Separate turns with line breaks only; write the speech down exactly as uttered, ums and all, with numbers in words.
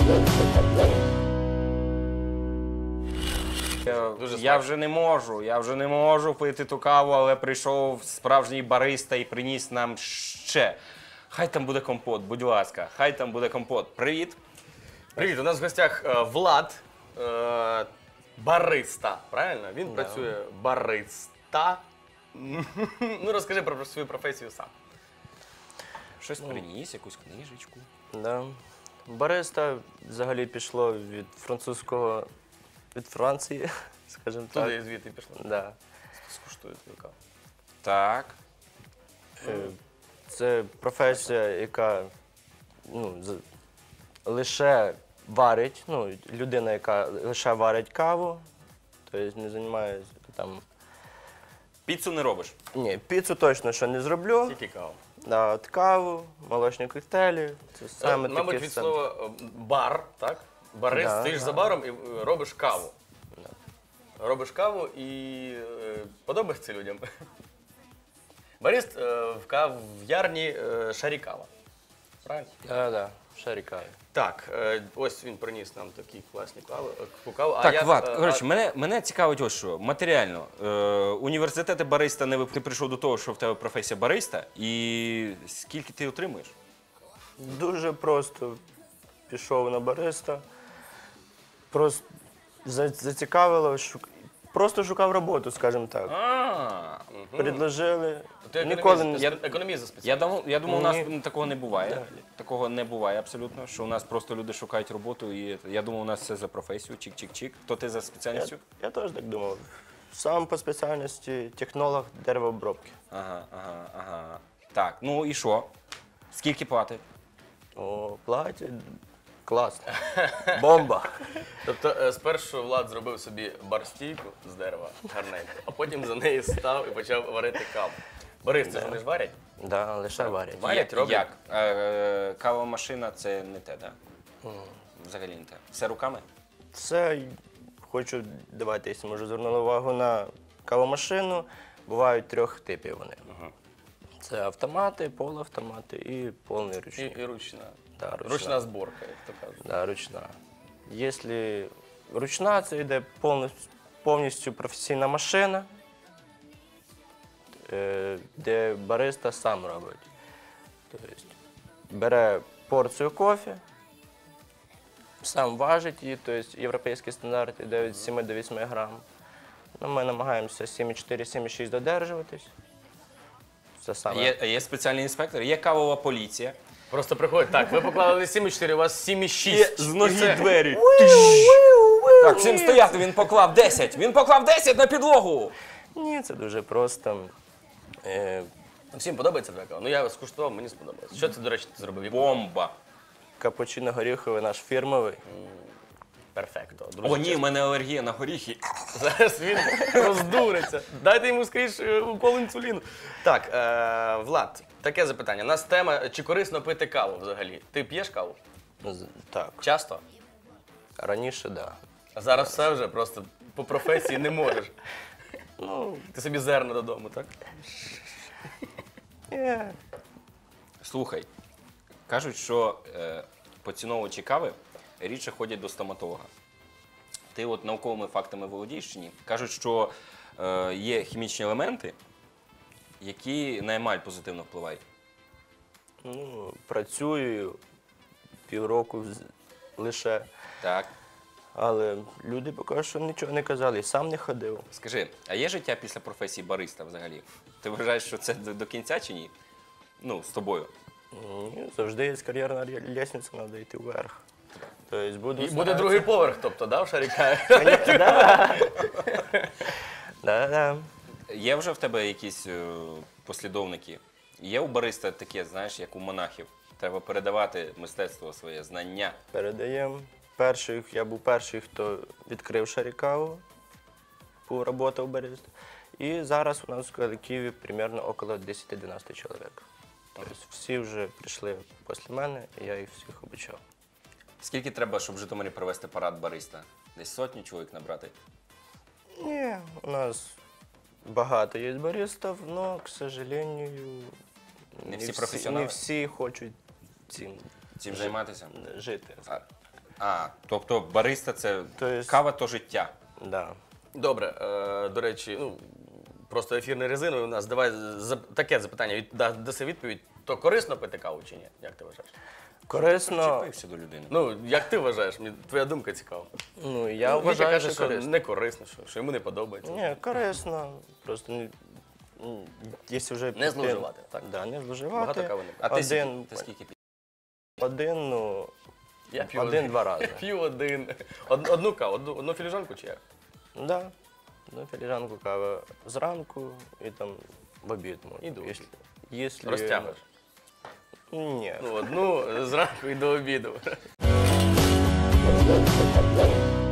Я, я вже не можу, я вже не можу пити ту каву, але прийшов справжній бариста і приніс нам ще. Хай там буде компот, будь ласка, хай там буде компот. Привіт.
Привіт, у нас в гостях е, Влад, е, бариста, правильно? Він
Да.
працює бариста. Ну, розкажи про свою професію сам.
Щось приніс, якусь книжечку.
Да. Бариста взагалі пішло від французького, від Франції, скажімо так.
Туди і звідти пішло.
Да.
Скуштую твою каву.
Так.
Е, Це професія, яка ну, з- лише варить, ну, людина, яка лише варить каву, тобто не займається там.
Піцу не робиш?
Ні, піцу точно що не зроблю.
Тільки каву.
Да, от каву, молочні коктейлі. Це саме
Е, Мабуть,
таке
від
саме.
слова е, бар, так? Барист,
Да,
стоїш
да.
за баром і е, робиш каву. Робиш каву і е, подобається людям. Барист е, в кав'ярні е, Шарі Кава. Правильно?
Так, так, шарі кави.
Так, е, ось він приніс нам такі класні кави. е, каву. А
Так,
я,
Влад,
е,
коротше,
а-
мене, мене цікавить ось що. Матеріально. Е, університети бариста не вип- ти прийшов до того, що в тебе професія бариста, і скільки ти отримуєш?
Дуже просто пішов на бариста, просто за- зацікавило, шук- просто шукав роботу, скажімо так.
А,
Предложили.
Ти
Ніколи
економіст,
не...
Я-
економіст за
я
спеціальністю.
думав, я думав, у нас
Ні.
такого не буває.
Да.
Такого не буває абсолютно, що у нас просто люди шукають роботу, і я думав, у нас все за професію, чик-чик-чик. Хто ти за
Я,
спеціальністю?
я теж так думав. Сам по спеціальності технолог деревообробки.
Ага, ага, ага. Так, ну і що? Скільки платить?
О, платять. Класно. Бомба.
Тобто е, спершу Влад зробив собі барстійку з дерева гарненько, а потім за неї став і почав варити каву. Баристи ж вони ж варять?
Да, лише варять.
Варять,
Я-
роблять?
Як? Е, кавомашина це не те, так? Да? Взагалі не те. Все руками?
Це хочу давайте, якщо може звернули увагу на кавомашину. Бувають трьох типів вони. Це автомати, полуавтомати і повний
І,
ручний.
і ручна.
Да, ручна.
Ручна зборка, як то кажуть.
Да, ручна. Якщо ручна, це йде повністю, повністю професійна машина, е, де бариста сам робить. Тобто бере порцію кофе, сам важить її, тобто європейський стандарт йде від семи до восьми грам. Ну, ми намагаємося сім і чотири - сім і шість додержуватись. Це саме.
Є, є спеціальний інспектор, є кавова поліція.
Просто приходить, так, ви поклали не сім і чотири, у вас сім і шість.
З ноги
І це-
двері. Так, всім стояти, він поклав десять. Він поклав десять на підлогу.
Ні, це дуже просто. Е,
Всім подобається твоя кава? Ну я скуштував, мені сподобалось. Що ти, до речі, ти зробив? Яку?
Бомба.
Капучино горіховий наш фірмовий.
Перфекто. Друзі,
О, ні, в мене алергія на горіхи.
зараз він роздуриться. Дайте йому скоріш е, укол інсуліну. Так, е, Влад, таке запитання. У нас тема, чи корисно пити каву взагалі. Ти п'єш каву?
З- Так,
Часто?
раніше так. Да.
А зараз все вже просто по професії не можеш.
Ну,
Ти собі зерна додому, так?
є.
Слухай, кажуть, що е, поціновувачі кави рідше ходять до стоматолога. Ти от науковими фактами володієш чи ні? Кажуть, що е, є хімічні елементи, які на емаль позитивно впливають.
Ну, працюю півроку з- лише,
Так.
але люди поки що нічого не казали, і сам не ходив.
Скажи, а є життя після професії бариста взагалі? Ти вважаєш, що це до, до кінця чи ні? Ну, з тобою.
Ні, завжди є кар'єрна лє- лестниця, треба йти вверх. Тобто буду
І буде
старатися.
другий поверх, тобто, да, в Шаріка?
Да, да.
Є вже в тебе якісь е, послідовники? Є у бариста таке, знаєш, як у монахів? Треба передавати мистецтво своє, знання.
Передаємо. Перший, я був перший, хто відкрив Шарікаву, поработав бариста. І зараз у нас в колективі приблизно около десять-дванадцять чоловік. Тобто всі вже прийшли після мене, і я їх всіх обучав.
Скільки треба, щоб в Житомирі провести парад бариста? Десь сотні чоловік набрати?
Ні, у нас багато є баристів, але, к сожалению,
Не всі професіонали?
не всі хочуть цим
Цим займатися?
жити.
А, А, тобто бариста це
То есть-
кава то життя.
Да.
Добре, е, до речі, ну, просто ефірною резиною у нас. Давай за- таке запитання, від- да- даси відповідь. То корисно пити каву чи ні? Як ти вважаєш?
Корисно,
Причепився до людини.
Ну, як ти вважаєш? Мені твоя думка цікава.
ну, я
Ну, Вітя
вважаю,
каже,
що
що
корисно.
не корисно, що, що йому не подобається.
Ні, корисно. Просто не- м, якщо вже
Не
піти-
зловживати, так?
Да, не зловживати.
Багато кави не пити.
А ти,
один,
скільки, ти скільки п'єш?
один, ну,
Я п'ю
один-два рази.
П'ю один. Од- Одну каву, одну, одну філіжанку чи як?
Да. Ну, філіжанку кави зранку і там в обід. може.
І до обіду.
Якщо- Якщо...
Розтягуєш?
Ні.
Ну, одну зранку і до обіду.